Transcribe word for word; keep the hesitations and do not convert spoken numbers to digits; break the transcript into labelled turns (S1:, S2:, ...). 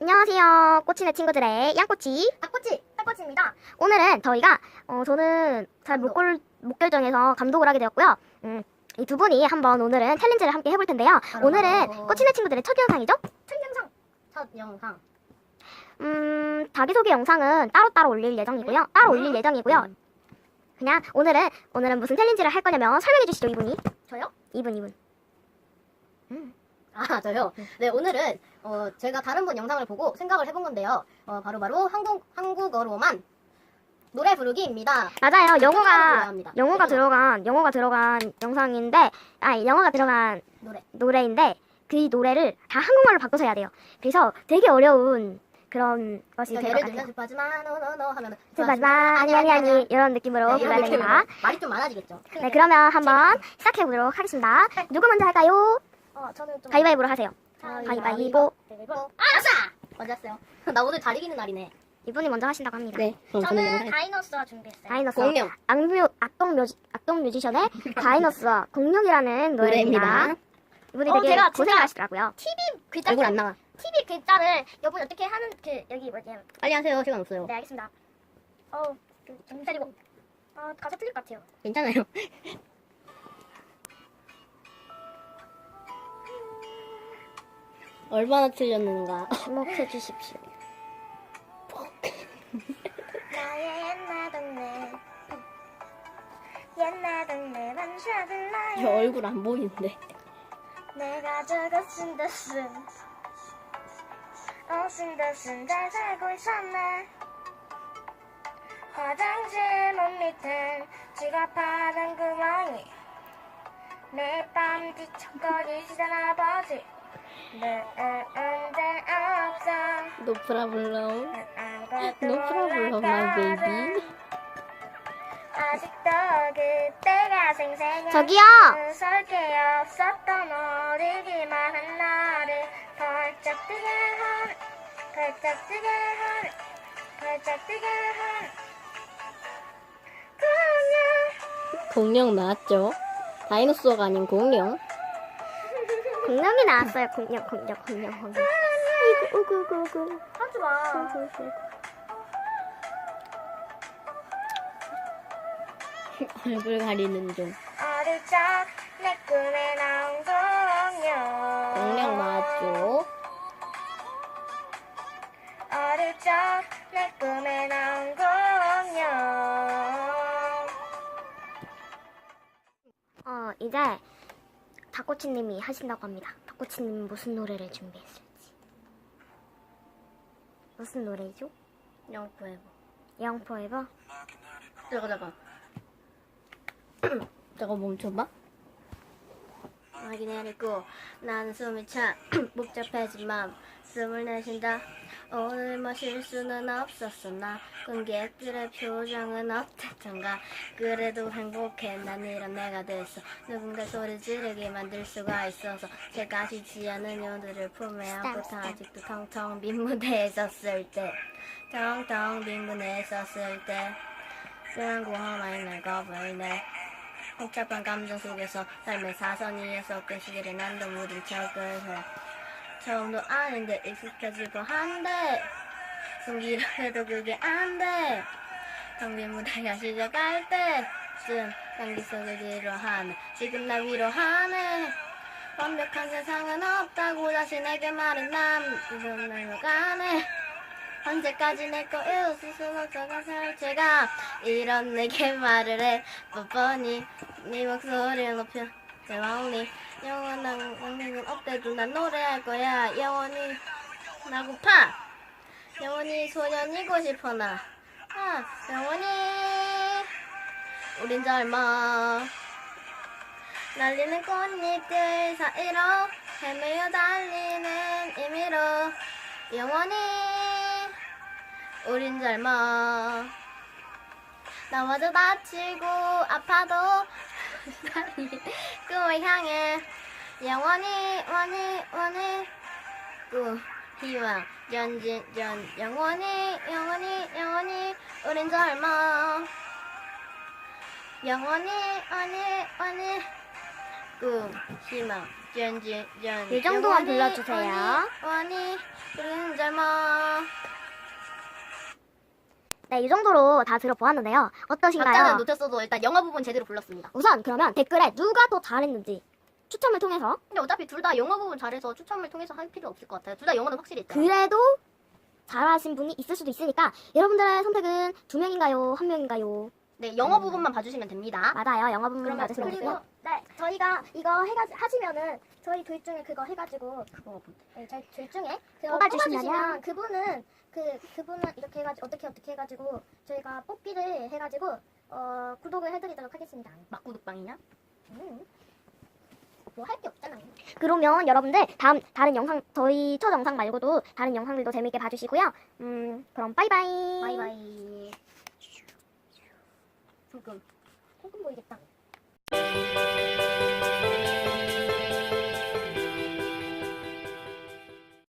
S1: 안녕하세요. 꼬치네 친구들의 양꼬치,
S2: 닭꼬치, 닭꼬치입니다.
S1: 오늘은 저희가 어, 저는 잘 못 골, 못 결정해서 감독을 하게 되었고요. 음, 이 두 분이 한번 오늘은 챌린지를 함께 해볼 텐데요.
S2: 바로
S1: 오늘은
S2: 바로.
S1: 꼬치네 친구들의 첫 영상이죠?
S2: 첫 영상, 첫 영상.
S1: 음, 자기소개 영상은 따로따로 올릴 예정이고요. 따로 올릴 예정이고요. 그냥 오늘은 오늘은 무슨 챌린지를 할 거냐면 설명해 주시죠, 이분이.
S2: 저요?
S1: 이분, 이분.
S2: 아, 저요? 네, 오늘은 어, 제가 다른 분 영상을 보고 생각을 해본 건데요. 어, 바로바로 한국, 한국어로만 노래 부르기입니다.
S1: 맞아요. 영어가
S2: 불러야 합니다.
S1: 영어가
S2: 영어가.
S1: 들어간 영어가 들어간 영상인데, 아 영어가 들어간
S2: 노래.
S1: 노래인데 그 노래를 다 한국말로 바꿔서 해야 돼요. 그래서 되게 어려운 그런 것이
S2: 그러니까
S1: 될
S2: 예를
S1: 것
S2: 들면
S1: 같아요.
S2: 스파즈마 노노노 하면은
S1: 스파즈마 아니 아니 아니 이런 느낌으로
S2: 네,
S1: 불러야
S2: 이런
S1: 됩니다.
S2: 느낌으로 말이 좀 많아지겠죠.
S1: 네, 그러면 한번 시작해 보도록 하겠습니다. 누구 먼저 할까요?
S2: 어, 저는 좀
S1: 가위바위보로 하세요. 가위바위보.
S2: 가위바위보. 아싸! 먼저 했어요. 나 오늘 잘 이기는 날이네.
S1: 이분이 먼저 하신다고 합니다.
S2: 네.
S3: 저는 다이너스와 준비했어요.
S1: 다이너스.
S2: 공룡.
S1: 악뮤 악동 뮤지 악동 뮤지션의 다이너스와 공룡이라는 노래입니다.
S2: 노래입니다.
S1: 이분이
S3: 어,
S1: 되게
S3: 제가 진짜-
S1: 고생하시더라고요.
S3: 티비 글자
S2: 얼굴 안 나와.
S3: 티비 글자를 여러분 어떻게 하는 그 여기 뭐지?
S2: 빨리 하세요. 시간 없어요.
S3: 네 알겠습니다. 어우 그 정신 차리고 아 가사 틀릴 것 같아요.
S2: 괜찮아요. 얼마나 틀렸는가.
S1: 주목해 주십시오.
S3: 나의 옛날 동네 옛날 동네 반짝을
S2: 저
S3: 나의
S2: 얼굴 안 보이는데.
S3: 내가 저거 쓴다 쓴 어 쓴다 쓴 잘 살고 있었네. 화장실 문 밑엔 지갑하던 구멍이 매일 밤 뒤척거리시던 아버지 늘 언제 없어
S2: No problem.
S3: 아무것도
S2: No problem, my baby.
S3: 아직도 그때가 생생해.
S1: 저기요.
S3: 무서울 게 없었던 어리기만 한 나를 펄쩍 뜨게 한 펄쩍 뜨게 한 펄쩍 뜨게 한 공룡.
S2: 공룡 나왔죠? 다이노소어가 아닌 공룡.
S1: 공룡이 나왔어요. 공룡 공룡 공룡 공룡. 이구 우구 우구 우구.
S3: 하지마.
S1: 우구 우구.
S2: 얼굴 가리는 중.
S3: 어릴 적 내 꿈에 나온 공룡.
S2: 공룡 나왔죠?
S3: 어릴 적 내 꿈에 나온 공룡.
S1: 어 이제 닭꼬치님이 하신다고 합니다. 닭꼬치님 무슨 노래를 준비했을지. 무슨 노래죠?
S2: 영포에버.
S1: 영 포에버?
S2: 잠깐 잠깐. 잠깐 멈춰봐. 확인해 내리고 나는 숨이 차 복잡해진 맘 숨을 내쉰다. 오늘 마실 수는 없었어. 나 관객들의 표정은 어땠던가. 그래도 행복해. 난 이런 내가 됐어. 누군가 소리 지르게 만들 수가 있어서 제가 쉬지 않은 요들을 품에 안고 아직도 텅텅 빈 무대에 섰을 때 텅텅 빈 무대에 섰을 때 쓰란 고함이 날 거부이네. 복잡한 감정 속에서 삶의 사선 위에서 끄시기를 난도 무딘 척을 해. 처음도 아닌데 익숙해지고 한데 숨기려 해도 그게 안돼. 텅빈 무대가 시작할 때쯤 향기 속에 위로하네. 지금 나 위로하네. 완벽한 세상은 없다고 자신에게 말은 남 지금 날로 가네. 언제까지 내 거일 수순 없어가 살 제가 이런 내게 말을 해. 뻔뻔히 네 목소리를 높여 내 마음이 영원한 영생은 없대도 난 노래할 거야. 영원히 나고파. 영원히 소년이고 싶어 나. 아, 영원히 우린 젊어. 날리는 꽃잎들 사이로 헤매어 달리는 임의로 영원히 우린 젊어. 나마저 다치고 아파도 꿈을 향해 영원히 원히 원히 꿈 희망 전진 전 영원히 영원히 영원히 우린 젊어. 영원히 원히 원히 꿈 희망 짠짠짠.
S1: 이 정도만 불러주세요.
S2: 원이 우리는 젊어.
S1: 네, 이 정도로 다 들어보았는데요. 어떠신가요?
S2: 박자는 놓쳤어도 일단 영어 부분 제대로 불렀습니다.
S1: 우선 그러면 댓글에 누가 더 잘했는지 추첨을 통해서
S2: 근데 어차피 둘 다 영어 부분 잘해서 추첨을 통해서 할 필요 없을 것 같아요. 둘 다 영어는 확실히 있다.
S1: 그래도 잘하신 분이 있을 수도 있으니까 여러분들의 선택은 두 명인가요? 한 명인가요?
S2: 네, 영어 부분만 봐주시면 됩니다.
S1: 맞아요. 영어 부분
S2: 그러면
S1: 맞으시면
S2: 그리고
S1: 되고요. 네, 저희가 이거 해가 하시면은 저희 둘 중에 그거 해가지고
S2: 그거 뭔데?
S1: 네, 저희 둘 중에 그거
S2: 뽑아주시면요?
S1: 뽑아주시면 그분은 그 그분은 이렇게 해가지고 어떻게 어떻게 해가지고 저희가 뽑기를 해가지고 어 구독을 해드리도록 하겠습니다.
S2: 막구독방이냐?
S1: 음. 뭐 할 게 없잖아요. 그러면 여러분들 다음 다른 영상 저희 첫 영상 말고도 다른 영상들도 재밌게 봐주시고요. 음 그럼 바이바이.
S2: 바이바이. 손금.
S1: 콩금 보이겠다.